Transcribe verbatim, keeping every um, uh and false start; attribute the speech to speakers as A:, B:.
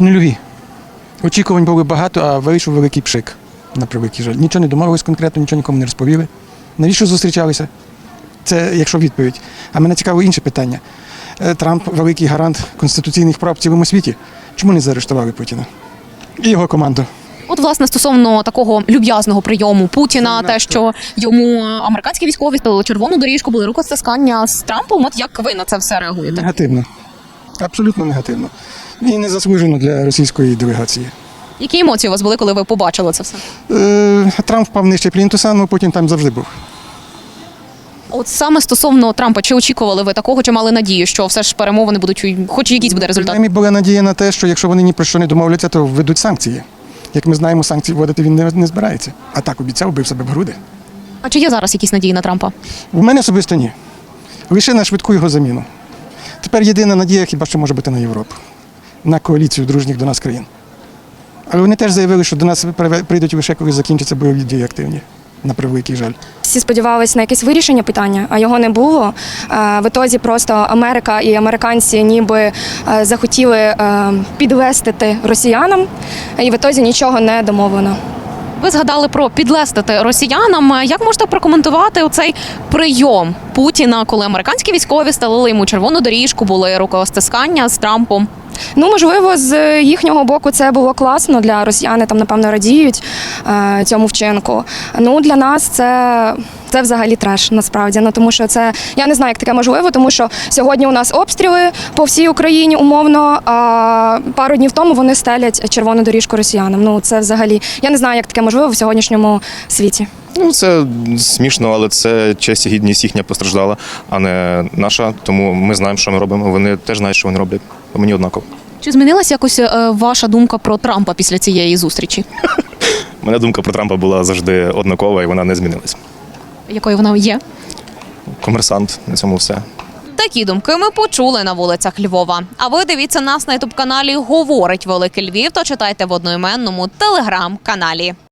A: Нульові. Очікувань було багато, а вийшов великий пшик, на превеликий жаль. Нічого не домовились конкретно, нічого нікому не розповіли. Навіщо зустрічалися? Це якщо відповідь. А мене цікаво інше питання. Трамп – великий гарант конституційних прав в цілому світі. Чому не заарештували Путіна і його команду?
B: От, власне, стосовно такого люб'язного прийому Путіна, те, що йому американські військові стали червону доріжку, були рукостискання з Трампом, от як ви на це все реагуєте?
A: Негативно. Абсолютно негативно. І незаслужено для російської делегації.
B: Які емоції у вас були, коли ви побачили це все?
A: Е, Трамп впав нижче плінтуса, але Путін там завжди був.
B: От саме стосовно Трампа, чи очікували ви такого, чи мали надію, що все ж перемовини будуть, хоч якийсь буде результат?
A: Принаймні була надія на те, що якщо вони ні про що не домовляться, то введуть санкції. Як ми знаємо, санкції вводити він не, не збирається. А так обіцяв, бив себе в груди.
B: А чи є зараз якісь надії на Трампа?
A: У мене особисто ні. Лише на швидку його заміну. Тепер єдина надія хіба що може бути на Європу. На коаліцію дружніх до нас країн. Але вони теж заявили, що до нас прийдуть лише, коли закінчаться бойові дії активні. На превеликий жаль.
C: Всі сподівалися на якесь вирішення питання, а його не було. В ітозі просто Америка і американці ніби захотіли підлестити росіянам, і в ітозі нічого не домовлено.
B: Ви згадали про підлестити росіянам. Як можете прокоментувати оцей прийом Путіна, коли американські військові стелили йому червону доріжку, були рукостискання з Трампом?
C: Ну, можливо, з їхнього боку це було класно, для росіяни там, напевно, радіють е, цьому вчинку. Ну, для нас це, це взагалі треш, насправді. Ну, тому що це, я не знаю, як таке можливо, тому що сьогодні у нас обстріли по всій Україні умовно, а пару днів тому вони стелять червону доріжку росіянам. Ну, це взагалі, я не знаю, як таке можливо в сьогоднішньому світі.
D: Ну, це смішно, але це честь і гідність їхня постраждала, а не наша. Тому ми знаємо, що ми робимо. Вони теж знають, що вони роблять. Мені однаково.
B: Чи змінилася якось е, ваша думка про Трампа після цієї зустрічі?
D: Моя думка про Трампа була завжди однакова, і вона не змінилась.
B: Якою вона є?
D: Комерсант, на цьому все.
B: Такі думки ми почули на вулицях Львова. А ви дивіться нас на ютуб-каналі «Говорить Великий Львів» та читайте в одноіменному телеграм-каналі.